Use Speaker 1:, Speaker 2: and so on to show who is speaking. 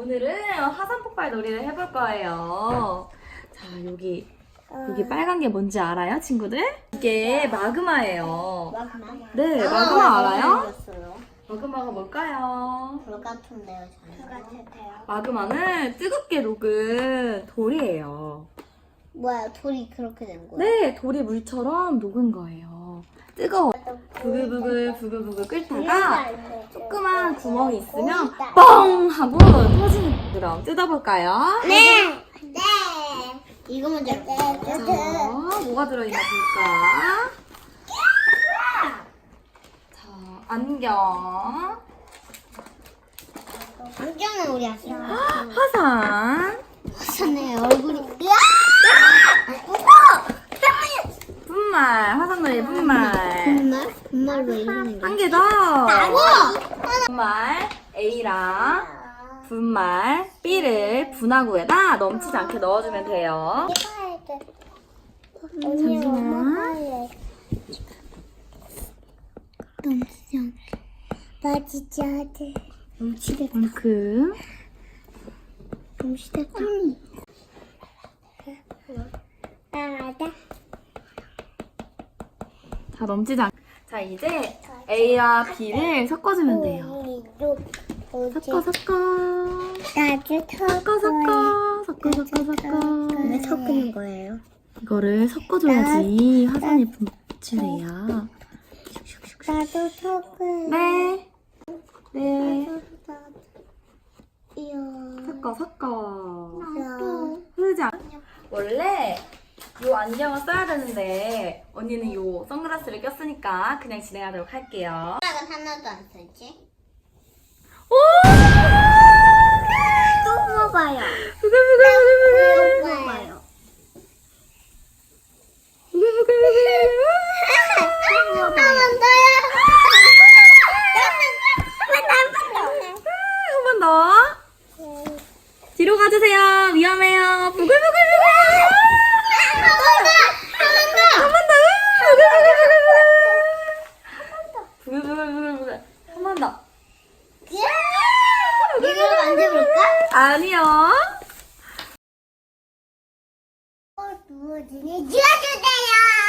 Speaker 1: 오늘은 화산 폭발 놀이를 해볼 거예요. 자, 여기 빨간 게 뭔지 알아요, 친구들? 이게 마그마예요.
Speaker 2: 마그마?
Speaker 1: 네, 마그마 알아요?
Speaker 2: 생겼어요.
Speaker 1: 마그마가 뭘까요?
Speaker 2: 불 같은데요, 저는. 불 같은데요.
Speaker 1: 마그마는 뜨겁게 녹은 돌이에요.
Speaker 2: 뭐야, 돌이 그렇게 된 거야?
Speaker 1: 네, 돌이 물처럼 녹은 거예요. 뜨거워. 부글부글 끓다가 조그만 구멍이 있으면 뻥! 하고 터지는 그럼 뜯어볼까요?
Speaker 2: 네! 네! 이거 먼저
Speaker 1: 자, 뭐가 들어있나 볼까? 자, 안경,
Speaker 2: 안경은 우리 아시죠?
Speaker 1: 화산,
Speaker 2: 화산에 얼굴이.
Speaker 1: 분말, 화산놀이 분말.
Speaker 2: 분말? 분말로 이러는 게.
Speaker 1: 한 개 더. 분말 A랑 분말 B를 분화구에다 넘치지 않게 넣어주면 돼요. 잠시만.
Speaker 2: 넘치지 않게. 빠지지 않게. 넘치게.
Speaker 1: 만큼.
Speaker 2: 넘치게. 나가자.
Speaker 1: 다 넘치지 않게. 자, 이제 A와 B를 섞어주면 돼요. 섞어.
Speaker 2: 왜 섞는 거예요?
Speaker 1: 이거를 섞어줘야지 화산이 분출해요.
Speaker 2: 나도 섞을.
Speaker 1: 네. 네.
Speaker 2: 이요.
Speaker 1: 섞어.
Speaker 2: 나도.
Speaker 1: 흐르지 않. 원래 요 안경을 써야 되는데 언니는 요 선글라스를 꼈으니까 그냥 진행하도록 할게요.
Speaker 2: 생각은 하나도 안 쓰지?
Speaker 1: 오!
Speaker 2: 또 먹어요.
Speaker 1: 부글부글.
Speaker 2: 먹어요. 한 번 더요.
Speaker 1: 한 번 더. 뒤로 가주세요. 위험해요. 부글부글. 한 번 더. 부글부글. 한 번 더.
Speaker 2: 이거 만져볼까?
Speaker 1: 아니요.
Speaker 2: 누워주세요.